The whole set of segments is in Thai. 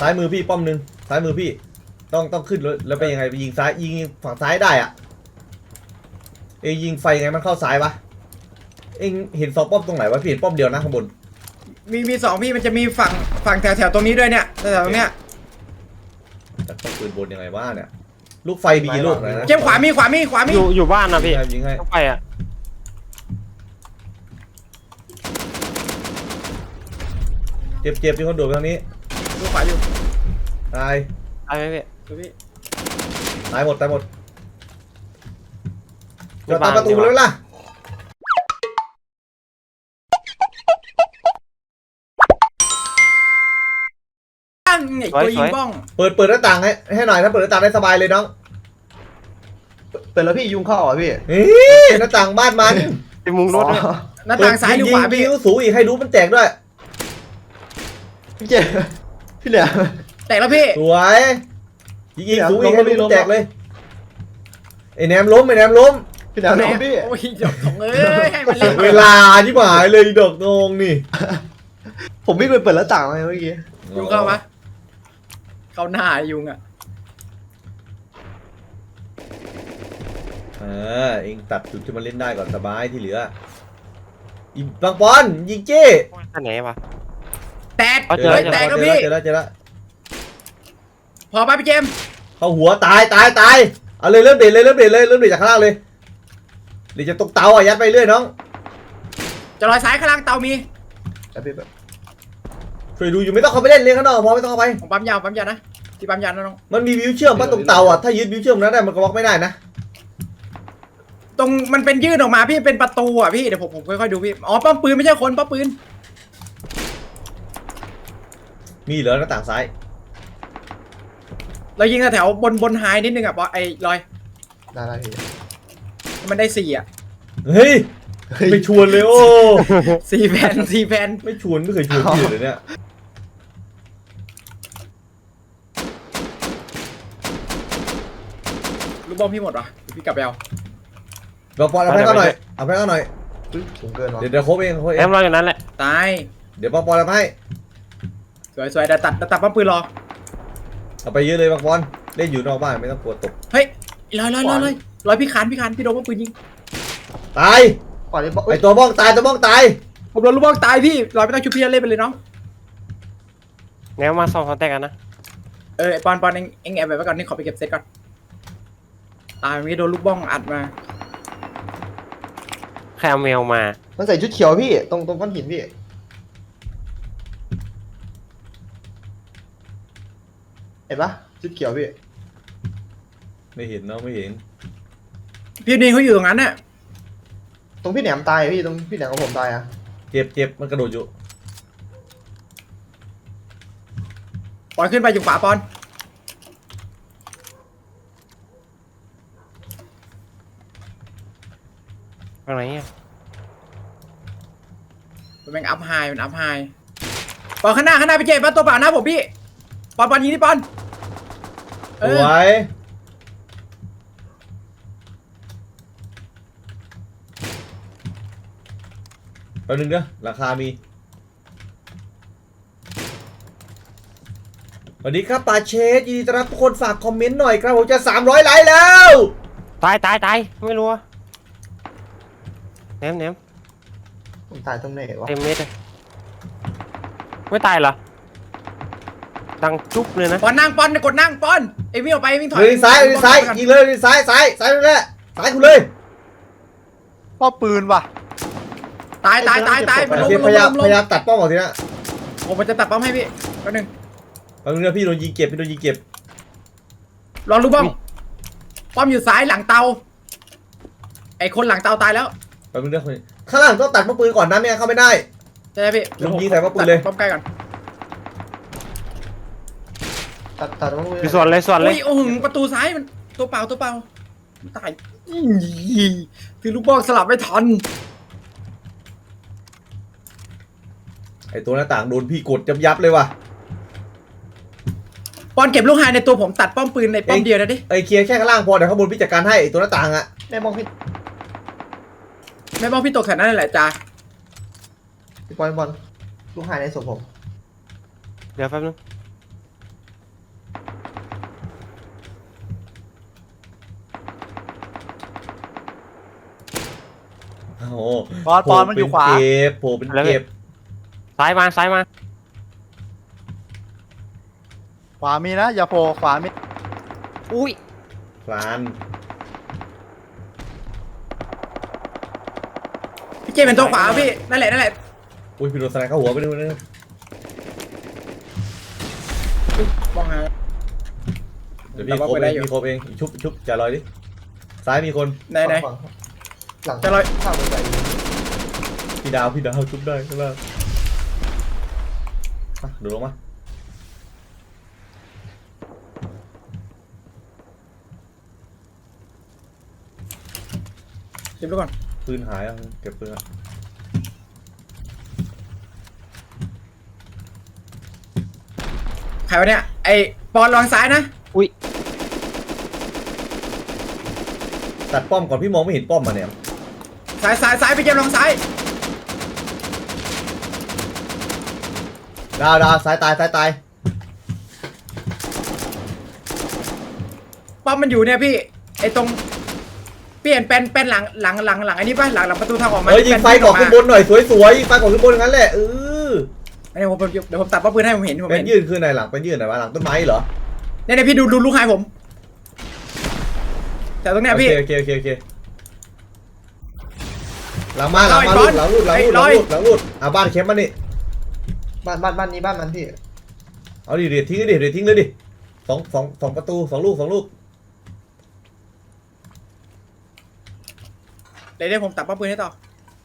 ซ้ายมือพี่ป้อมหนึ่งซ้ายมือพี่ต้องขึ้นแล้วไปยังไงไปยิงซ้ายยิงฝั่งซ้ายได้อะเองยิงไฟไงมันเข้าซ้ายวะเองเห็น2ป้อมตรงไหนวะพี่เห็นป้อมเดียวนะข้างบนมี2พี่มันจะมีฝั่งแถวตรงนี้ด้วยเนี่ยแถวตรงเนี้ยแต่ต้องปืนบนยังไงวะเนี่ยลูกไฟมีกี่ลูกนะเข้มขวามีอยู่บ้านนะพี่ยิงให้ต้องไปอ่ะเจ็บที่คนโดดไปทางนี้ดูขวาอยู่ตายไปไหมพี่ดูพี่ตายหมดจะตามประตูเลยล่ะตั้งไอ้ตัวยิงบ้องเปิดหน้าต่างให้หน่อยถ้าเปิดหน้าต่างได้สบายเลยน้องเปิดแล้วพี่ยุงเข้าเหรอพี่หน้าต่างบ้านมันไปมุงรถด้วยหน้าต่างซ้ายหรือขวาพี่ยิงสูงอีกให้รู้มันแตกด้วยพี่เจพี่เหลือแตกแล้วพี่สวยยิงสูงอีกให้รู้มันแตกเลยไอ้แหนมล้มพี่เหลือน้องพี่โอ้ยดอกของเอ้ยให้มันเล่นเวลาที่หายเลยดอกนองนี่ผมวิ่งไปเปิดหน้าต่างมาเมื่อกี้ยุงเข้าปะเข้าหน้ายุงอ่ะเองตัดจุดที่มันเล่นได้ก่อนสบายที่เหลืออีบางปอนยิงเจ้ท่านไหนวะแตกเอาเจอแตกแล้วพี่เจอแล้วพอป่ะพี่เจมส์เข้าหัวตายเอาเลยเริ่มเด็ดจากข้างล่างเลยเดี๋ยวจะตกเตายัดไปเรื่อยน้องจะลอยซ้ายข้างล่างเตามีแล้วพี่แบบช่วยดูอยู่ไม่ต้องเข้าไปเล่นข้างนอกพอไม่ต้องเข้าไปผมปั๊มยาวนะที่ปั๊มยาวนะน้องมันมีวิวเชื่อมป่ะตรงเตาถ้ายึดวิวเชื่อมนั้นได้มันก็บล็อกไม่ได้นะตรงมันเป็นยื่นออกมาพี่เป็นประตูอ่ะพี่เดี๋ยวผมค่อยๆดูพี่อ๋อป้อมปืนไม่ใช่คนป้อมปืนมีเหลือหน้าต่างซ้ายเรายิงแถวบนไฮนิดนึงอ่ะปอไอ้ลอยได้พี่มันได้4อ่ะเฮ้ยไม่ชวนเลยโอ้ 4แผ่นไม่ชวนไม่เคยชวนพี่เลยเนี่ยลูกบอลพี่หมดวะเดี๋ยวพี่กลับไปเอาเราปอนเอาแพ้ก็หน่อยสูงเกินวะเดี๋ยวโค้ชเองแอมรออยู่นั้นแหละตายเดี๋ยวปอนเอาให้สวยเดี๋ยวตัดป้อมปืนรอเอาไปเยอะเลยบางปอนเล่นอยู่นอกบ้านไม่ต้องกลัวตกเฮ้ยลอยพี่คานพี่โดนป้อมปืนยิงตายก่อนนี้บอกไอตัวบ้องตายผมโดนลูกบอลตายพี่ลอยไม่ต้องชุบพี่เล่นไปเลยน้องแนวมา2 คนแตกกันนะไอ้ปอนเองแอบไปไว้ก่อนนี่ขอไปเก็บเซตก่อนตายมีโดนลูกบ้องอัดมาใครเอาแมวมามันใส่ชุดเขียวพี่ตรงก้อนหินพี่เห็นปะชุดเขียวพี่ไม่เห็นน้องไม่เห็นพี่นี่เขาอยู่ตรงนั้นน่ะตรงพี่แหนมตายพี่ตรงพี่แหนมของผมตายอะเจ็บมันกระโดดอยู่ปอนขึ้นไปอยู่ขวาปอนตรงไหนอ่ะมันแม่งอัพไฮปอนข้างหน้าพี่เจปอนตัวเปล่าหน้าผมพี่ปอนยิงที่ปอนสวยแป๊บนึงเด้อราคามีสวัสดีครับป่าเชสยินดีต้อนรับทุกคนฝากคอมเมนต์หน่อยครับผมจะ300ไลค์แล้วตายไม่รู้อะแนมผมตายตรงไหนวะเต็มเม็ดเลยไม่ตายเหรอดังจุ๊บเลยนะปอนกดนั่งปอนไอ้วิ่งออกไปวิ่งถอยเลยซ้ายยิงเลยซ้ายนั่นแหละซ้ายคุณเลยพ่อปืนว่ะตายมันล้มพยายามตัดป้อมออกทีนะผมจะตัดป้อมให้พี่แป๊บนึงแป๊บนึงนะพี่โดนยิงเก็บรอลูกบ้องป้อมอยู่ซ้ายหลังเตาไอ้คนหลังเตาตายแล้วแป๊บนึงนะข้างล่างต้องตัดป้อมปืนก่อนนะไม่งั้นเข้าไม่ได้ใช่ไหมพี่ลุงยิงใส่ป้อมปืนเลยป้อมใกล้ก่อนตัดต้องมืออยู่ส่วนเลยอุ้ยโอ้โหประตูซ้ายมันตัวเปล่าตายคือลูกบ้องสลับไม่ทันไอตัวหน้าต่างโดนพี่กดยับเลยว่ะปอนเก็บลูกไฮในตัวผมตัดป้อมปืนในป้อมเดียวนะดิไอเคลียร์แค่ข้างล่างพอเดี๋ยวข้างบนพี่จัดการให้ไอตัวหน้าต่างอะแม่มองพี่ไม่ป้อมพี่ตกแถวนั้นแหละจ้าบอลลูกหายในศพผมเดี๋ยวแป๊บนึงโหปอนมันอยู่ขวาโผล่เป็นเก็บซ้ายมาซ้ายมาขวามีนะอย่าโผล่ขวามีอุ้ยพลานพี่เจเป็นตัวขวาพี่นั่นแหละนั่นแหละอุ้ยพี่โดนสไนเข้าหัวไปดูนึงมองหาเดี๋ยวพี่โคบเองพี่โคบเองชุบจ่าลอยดิซ้ายมีคนไหนไหนหลังจะลอยข้าวไปพี่ดาวชุบได้ใช่ไหมเดี๋ยวลงมาเก็บดูก่อนปืนหายอ่ะเก็บปืนอ่ะใครวะเนี่ยไอ้ปอนลองซ้ายนะอุ้ยตัดป้อมก่อนพี่มองไม่เห็นป้อมมาเนี่ยซ้ายพี่เจมลองซ้ายดาวซ้ายตายป้อมมันอยู่เนี่ยพี่ไอ้ตรงเปลี่ยนเป็นหลังไอ้นี่ป่ะหลังประตูทางออกมายิงไฟก่อนขึ้นบนหน่อยสวยยิงไฟก่อนขึ้นบนงั้นแหละเดี๋ยวผมตัดป้อมปืนให้ผมเห็นเป็นยื่นขึ้นไหนหลังเป็นยื่นไหนวะหลังต้นไม้เหรอเนี่ยพี่ดูลูกหายผมแต่ตรงเนี้ยพี่โอเคหลังมาลูดบ้านเข้มมานี่บ้านนี้บ้านมันพี่เอาดิเดี๋ยวทิ้งเลยดิสองประตูสองลูกเดี๋ยวผมตัดป้อมปืนให้ต่อ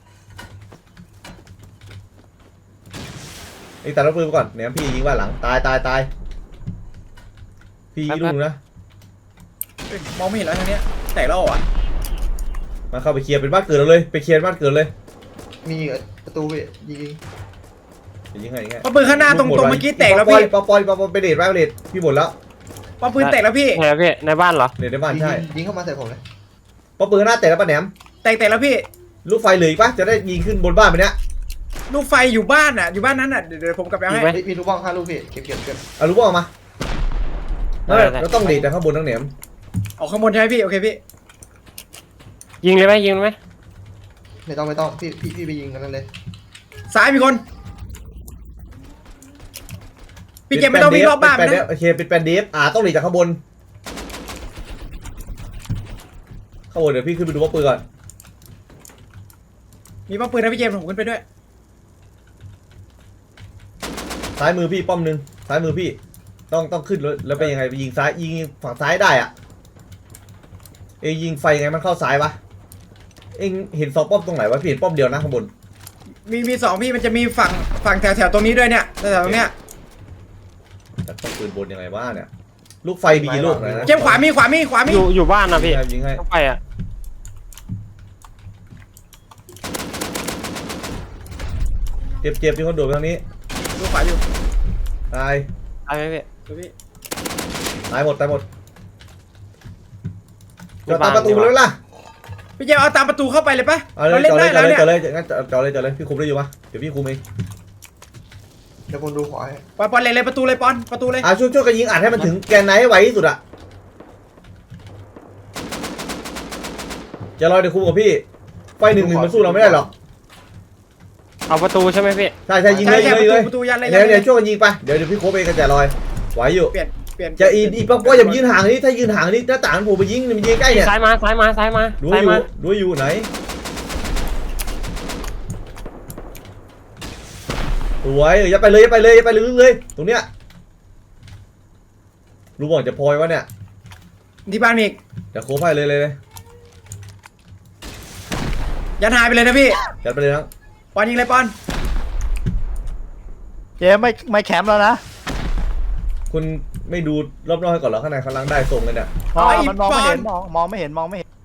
ไอ้ตัดรถปืนไปก่อนเนี่ยพี่ยิงบ้านหลังตายพี่ยิงลูกนะมองไม่เห็นแล้วทางเนี้ยแตกแล้วอ่ะมาเข้าไปเคลียร์เป็นบ้านเกิดเราเลยไปเคลียร์บ้านเกิดเลยมีประตูพี่ยิงยิงไงป้อมปืนข้างหน้าตรงเมื่อกี้แตกแล้วพี่ปอยไปเดทพี่หมดแล้วป้อมปืนแตกแล้วพี่ไงพี่ในบ้านเหรอเดทในบ้านใช่ยิงเข้ามาใส่ผมเลยป้อมปืนหน้าแตกแล้วป้าแหนมแตกแล้วพี่ลูกไฟเหลืออีกปะจะได้ยิงขึ้นบนบ้านไปเนี้ยลูกไฟอยู่บ้านอ่ะอยู่บ้านนั้นอ่ะเดี๋ยวผมกลับไปเอาให้มีลูกบ้อง5 ลูกพี่เก็บเอาลูกบอลมาเราต้องเดทแต่ข้างบนทั้งแหนมออกข้างบนใช่ไหมพี่โอเคพี่ยิงเลยไหมยิงเลยไหมไม่ต้องพี่ไปยิงกันนั่นเลยซ้ายมีคนพี่เจมไม่ต้องวิ่งรอบบ้านนะโอเคเป็นแปนเดฟต้องเดทจากข้างบนเดี๋ยวพี่ขึ้นไปดูป้อมปืนก่อนมีป้อมปืนนะพี่เจมผมขึ้นไปด้วยซ้ายมือพี่ป้อมนึงซ้ายมือพี่ต้องขึ้นแล้วเป็นยังไงไปยิงซ้ายยิงฝั่งซ้ายได้อ่ะยิงไฟไงมันเข้าซ้ายวะเห็นสองป้อมตรงไหนวะพี่เห็นป้อมเดียวนะข้างบนมีสองพี่มันจะมีฝั่งแถวตรงนี้ด้วยเนี่ยแถวตรงเนี้ยแต่ป้อมปืนบนยังไงวะเนี่ยลูกไฟมีกี่ลูกนะเจมขวามีอยู่บ้านนะพี่ยิงให้ต้องไปอ่ะเจ็บมีคนโดดไปทางนี้ดูขวาอยู่ตายตายไหมพี่ดูพี่ตายหมดจะตามประตูเลยล่ะพี่เจมเอาตามประตูเข้าไปเลยปะเอาเลเรายเล่นได้แล้วเนี่ยจอดเลยงั้นจอดเลยพี่คุมได้อยู่ปะเดี๋ยวพี่คุมเองเดี๋ยวผมดูขวาให้ปอนเลยประตูเลยปอนประตูเลยช่วยกันยิงอัดให้มันถึงแกนไนให้ไวที่สุดอะจะรอเดี๋ยวคุมกับพี่ไฟ1-1มันสู้เราไม่ได้หรอกเอาประตูใช่ไหมพี่ใช่ยิงเลยประตูยันเลยเดี๋ยวช่วยกันยิงไปเดี๋ยวพี่โค้ชเองกันแต่ลอยไหวอยู่เปลี่ยนจะอีป้ออย่ายืนห่างนี่ถ้ายืนห่างนี่หน้าต่างผมไปยิงมันยิงใกล้เนี่ยซ้ายมาดูซ้ายมาอยู่ไหนสวยอย่าไปเลยตรงเนี้ยรู้บอกจะพอยวะเนี่ยที่บ้านมีอีกจะโค้ชให้เลยยันหายไปเลยนะพี่จัดไปเลยนะปอนยิงเลยปอนเจไม่แคมป์แล้วนะคุณไม่ดูรอบนอกให้ก่อนเหรอข้างในกำลังได้ส่งเลยเนี่ยมันมองไม่เห็นมองไม่เห็น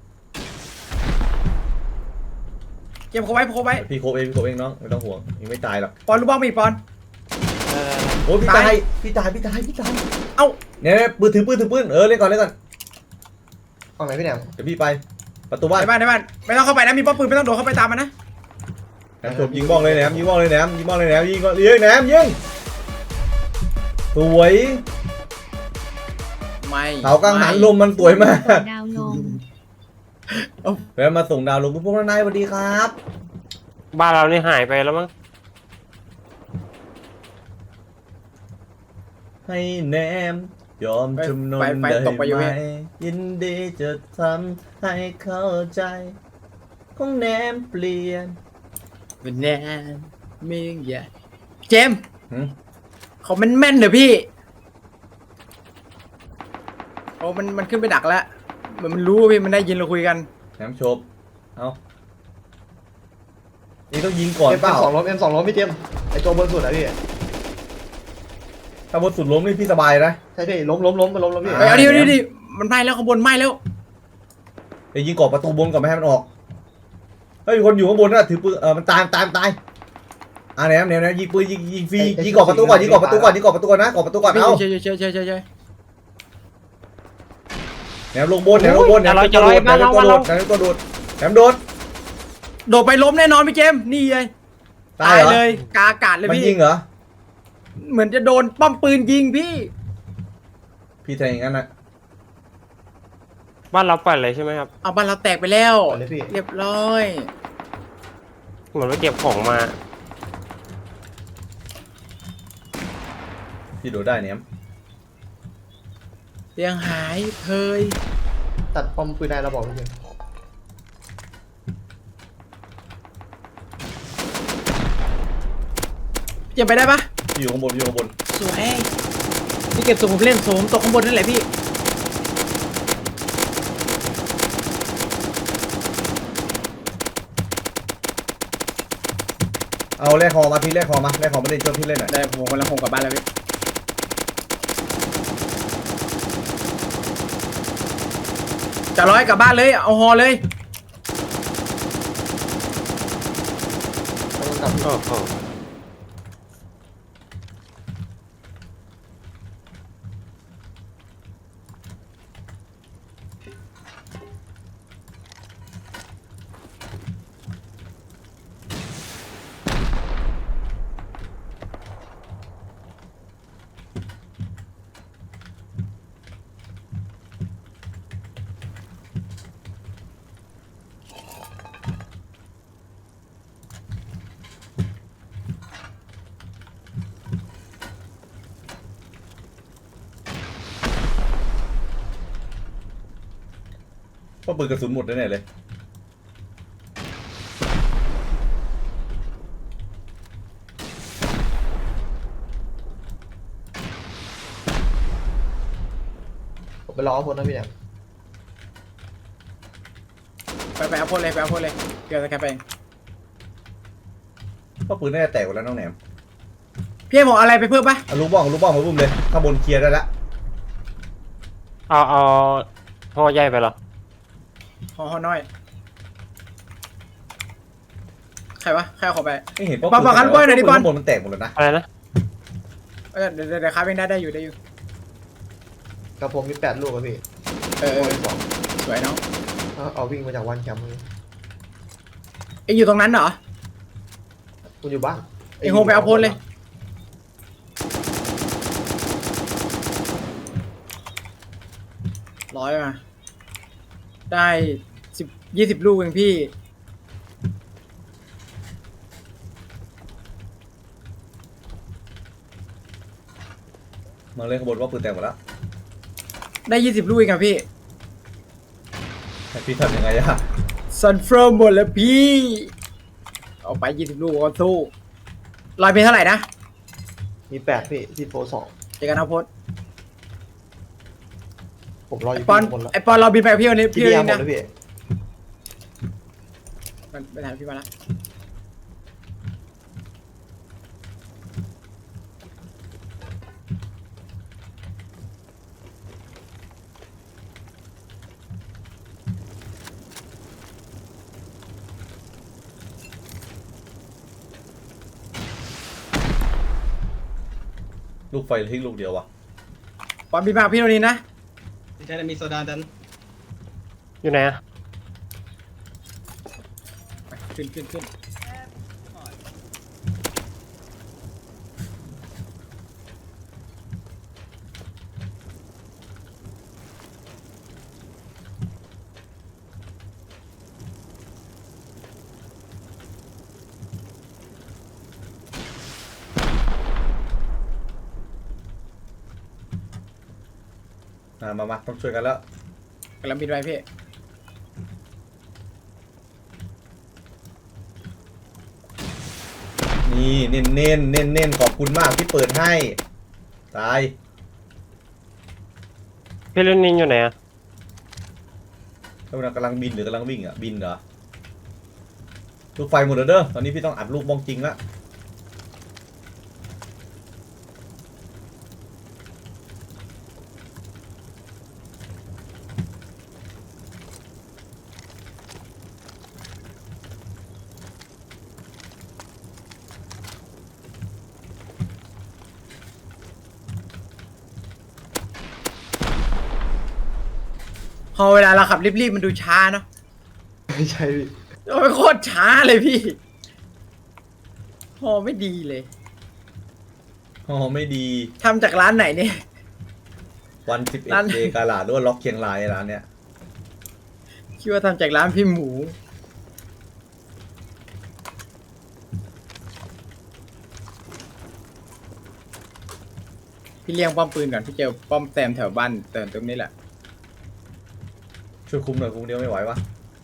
เก็บเขาไว้พี่โค้ชเองน้องไม่ต้องห่วงยังไม่ตายหรอกปอนลูกบ้องมีอีกปอนโอ้พี่ตายเอ้าเนี่ยปืนถือปืนเล่นก่อนฝั่งไหนพี่แหนมเดี๋ยวพี่ไปประตูบ้านในบ้านไม่ต้องเข้าไปนะมีป้อมปืนไม่ต้องโดดเข้าไปตามมันนะแหนมยิงบ้องเลยแหนมยิงสวยไม่เขากังหันลมมันสวยมากดาวลงแวะมาส่งดาวลงพวกนายสวัสดีครับบ้านเรานี่หายไปแล้วมั้งให้แนมยอมจำนนไฟได้ตกไปอยู่ไหมพี่ยินดีจะทำให้เข้าใจของแนมเปลี่ยนเป็นแน่ไม่อย่าเจมส์หืมเขามันแม่นเหรอพี่โอ้มันขึ้นไปดักแล้วเหมือนมันรู้ว่าพี่มันได้ยินเราคุยกันแหนมโชบเอานี่ต้องยิงก่อนเอ็มเปล่าสองล้มเอ็มสองล้มพี่เจมส์ไอตัวบนสุดอะพี่ถ้าบนสุดล้มนี่พี่สบายนะใช่พี่ล้มมันล้มแล้วพี่เฮ้ยเอาดิมันไหม้แล้วข้างบนไหม้แล้วเดี๋ยวยิงก่อนประตูบนก่อนไม่ให้มันออกเฮ้ยมีคนอยู่ข้างบนน่ะถือปืนมันตายแหนมยิงปืนยิงฟรียิงก่อนประตูก่อนยิงก่อนประตูก่อนนะก่อนประตูก่อนเอาเฉยแหนมลงบนแหนมตัวโดดแหนมตัวโดดโดดไปล้มแน่นอนพี่เจมส์นี่เลยตายเหรอเลยกาอากาศเลยมันพี่ยิงเหรอเหมือนจะโดนป้อมปืนยิงพี่พี่แทงอย่างนั้นนะบ้านเราเปิดเลยใช่ไหมครับเอาบ้านเราแตกไปแล้วก่อนเลยพี่เรียบร้อยเหมือนว่าเก็บของมาพี่โดดได้แหนมเตียงหายเพยตัดปอมปืนได้เราบอกพี่เจมส์เจมส์ไปได้ปะพี่อยู่ข้างบนสวยพี่เก็บส่งผมเล่นส่งผมตกข้างบนนั่นแหละพี่เอาแรกคอมาพี่แรกคอมาเล่นช่วยพี่เล่นหน่อยได้ผมกำลังคงกลับบ้านแล้วพี่จะร้อยกลับบ้านเลยเอาฮอเลยต้องกลับโอ้โหเพราะปืนกระสุนหมดแน่ๆเลยผมไปรอเอาพ้นนะพี่เนี่ยไปเอาพ่นเลยเดี๋ยวจะแคปไปเองเพราะปืนน่าจะแตกหมดแล้วน้องแหนมพี่ให้ผมเอาอะไรไปเพิ่มปะเอาลูกบ้องมาบุ้มเลยข้างบนเคลียร์ได้แล้วเอาห่อใหญ่ไปเหรอฮอน้อยใครวะใครเอาของไปไม่เห็นปอนคันเปิ้ลหน่อยดิปอนข้างบนมันแตกหมดแล้วนะอะไรนะเดี๋ยวครับเองได้อยู่กระผมมี8 ลูกอะพี่เออโอ้ยสองสวยเนาะเอาวิ่งมาจากวันแคมป์เลยเองอยู่ตรงนั้นเหรอคุณอยู่บ้านเองโฮมไปเอาพ่นเลยร้อยมาได้20 ลูกเองพี่มาเลยข้างบนว่าปืนแตกหมดแล้วได้20 ลูกเองครับพี่แต่พี่ทำยังไงอะซันเฟิร์มหมดแล้วพี่เอาไป20 ลูกก็สู้ลอยเป็นเท่าไหร่นะมี8พี่ที่โฟ2 เจอกันเอาโพสผมรออยู่ปอนที่บนแล้วไอปอนเราบินไปกับพี่วันนี้พี่พี่เดียวันหมนี้ดนะแล้วพี่มันไปถามพี่มาละลูกไฟทิ้งลูกเดียววะปอนบินมากับพี่วันนี้นะใช่มีโซดาดันอยู่ไหนอะขึ้นมาต้องช่วยกันแล้วกำลังบินไปพี่นี่เน้นขอบคุณมากที่เปิดให้ตายพี่เล่นนินอยู่ไหนอะแล้วมันกำลังบินหรือกำลังวิ่งอ่ะบินเหรอลูกไฟหมดแล้วเด้อตอนนี้พี่ต้องอัดลูกบ้องจริงละพอเวลาเราขับรีบๆมันดูช้าเนาะไม่ใช่พี่โอ้ยโคตรช้าเลยพี่พอไม่ดีเลยอ๋อไม่ดีทำจากร้านไหนเนี่ยวันร้าน 11 เดกาลาดหรือว่าล็อกเชียงรายร้านเนี้ยคิดว่าทำจากร้านพี่หมูพี่เลี้ยงป้อมปืนก่อนพี่เจอป้อมแซมแถวบ้านเติมตรงนี้แหละช่วยคุมหน่อยคุมเดียวไม่ไหววะ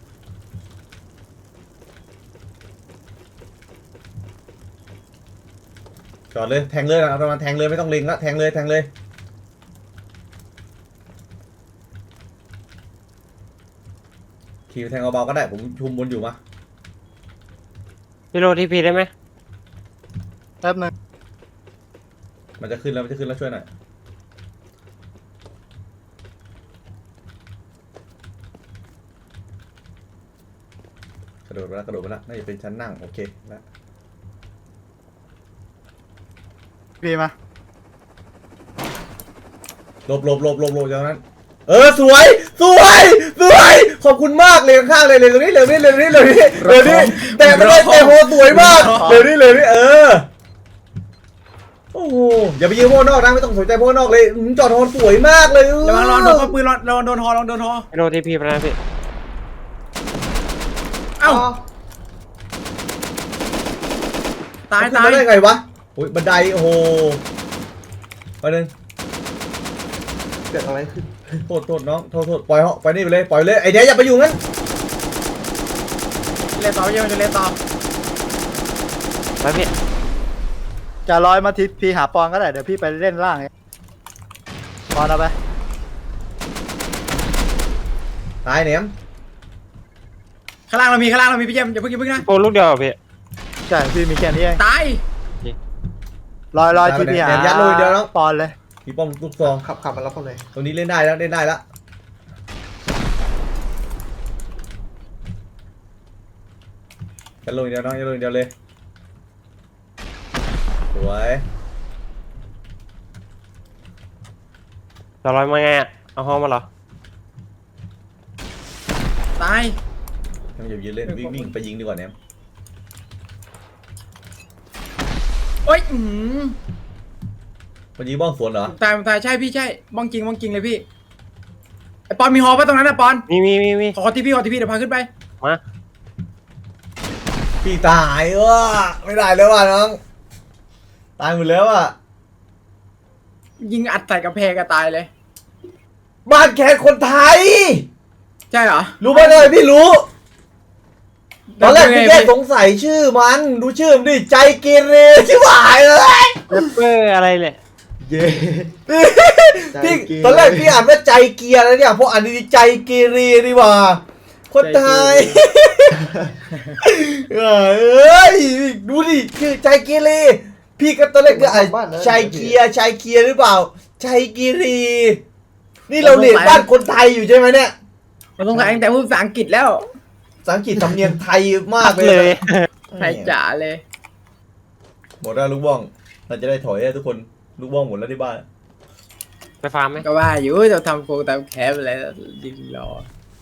จอดเลยแทงเลยนะประมาณแทงเลยไม่ต้องเล็งละแทงเลยขี่แทงเบาๆก็ได้ผมชุมบนอยู่มาพี่โรทีพีได้ไหมแป๊บนึงมันจะขึ้นแล้วช่วยหน่อยกระโดดไปแล้วน่าจะเป็นชั้นนั่งโอเคแล้วพี่มาหลบจากนั้นสวยขอบคุณมากเลยข้างๆเลยตรงนี้เร็วนี่แต่ไม่ได้แต่โหสวยมากเร็วนี่โอ้โหอย่าไปยืนโพนอกนะไม่ต้องสนใจโพนอกเลยจอดโฮสวยมากเลยระวังโดนป้อมปืนระวังโดนฮอระวังโดนฮอพี่โรทีพีไปนะพี่เอ้าตายขึ้นมาได้ไงวะโอ้ยบันไดโอ้โหไปหนึ่งเกิดอะไรขึ้นโทษน้องโทษปล่อยเหาะไปนี่ไปเลยไอเดียอย่าไปอยู่งั้นเล่นต่อพี่มันจะเล่นต่อไปพี่จะลอยมาทีพี่หาปอนก็ได้เดี๋ยวพี่ไปเล่นล่างเองปอนเอาไปตายเหนียมข้างล่างเรามีพี่เจมส์อย่าเพิ่งนะโปรลูกเดียวเหรอพี่ใช่พี่มีแค่นี้เองตายลอยทีพี่หายัดเลยเดียวน้องปอนเลยมีป้อมลูกซองขับมาแล้วคนเลยตรงนี้เล่นได้แล้วยัดลงเดียวน้องยัดลงเดียวเลยสวยจะลอยมาไงอะเอาห้องมาเหรอตายยังอย่ายืนเล่นวิ่งไปยิงดีกว่าเนี่ยโอ๊ยมันยิงบ้องสวนเหรอตายใช่พี่ใช่บ้องจริงเลยพี่ไอปอนมีฮอป่ะตรงนั้นนะปอนมีขอที่พี่เดี๋ยวพาขึ้นไปมาพี่ตายไม่ได้แล้วว่ะน้องตายหมดแล้วอ่ะยิงอัดใส่กระแพงก็ตายเลยบ้านแขกคนไทยใช่เหรอรู้ไหมเลยพี่รู้ตอนแรกพี่แค่สงสัยชื่อมันดูชื่อมันดิใจเกเรชิบหายเลยเรปเปอร์อะไรเนี่ยเย้พี่ตอนแรกพี่อ่านว่าใจเกียร์แล้วเนี่ยพออ่านดีๆใจเกเรดีกว่าคนไทยเอ้ยดูดิคือใจเกเรพี่ก็ตอนแรกก็อ่านใจเกียร์หรือเปล่าใจเกเรนี่เราเรียนบ้านคนไทยอยู่ใช่ไหมเนี่ยมันต้องใส่ตั้งแต่พูดภาษาอังกฤษแล้วภาษาอังกฤษสำเนียงไทยมากเลยไทยจ๋าเลยหมดแล้วลูกบ้องเราจะได้ถอยทุกคนลูกบ้องหมดแล้วที่บ้านไปฟาร์มไหมก็ว่าอยู่จะทำโฟตามแคปอะไรยิงรอ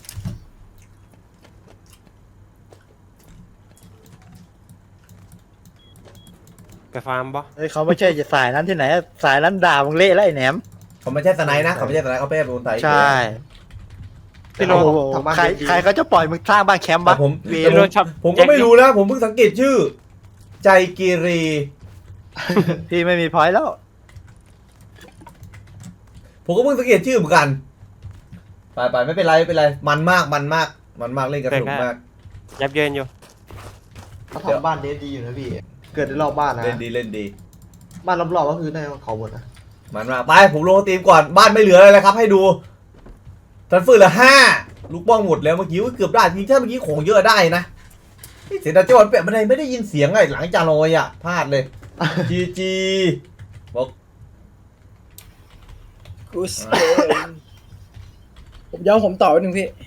ไปฟาร์มปะเฮ้ยเขาไม่ใช่จะสายนั้นที่ไหนสายนั้นด่ามึงเละแล้วไอ้แหนมเขาไม่ใช่สไนด์นะเขาไม่ใช่สไนด์เขาเป็นคนไทยใช่พี่โรโอ้โหใครเขาจะปล่อยมึงสร้างบ้านแคมป์แต่วะผมเวพี่โรชอบผมก็ไม่รู้นะผมเพิ่งสังเกตชื่อ ใจเกเรพี่ไม่มีพอยต์แล้วผมก็เพิ่งสังเกตชื่อเหมือนกัน ไปไม่เป็นไรไม่เป็นไร มันมากเล่นกันสนุกมากยับเยินอยู่เขาทำบ้านเดฟดีอยู่นะพี่ เกิดในรอบบ้านนะเล่นดีบ้านรอบๆก็คือได้เขาหมดนะมันมากไปผมลงทีมก่อนบ้านไม่เหลืออะไรแล้วครับ ให้ดูทันฟืนละ5ลูกบ้องหมดแล้วเมื่อกี้เกือบได้จริงถ้าเมื่อกี้ของเยอะได้นะเสียดายจังหวะเปะบันไดไม่ได้ยินเสียงไงหลังจานอยอ่ะพลาดเลย GG บอกกูเสียผมย้อมผมต่อไปหนึ่งพี่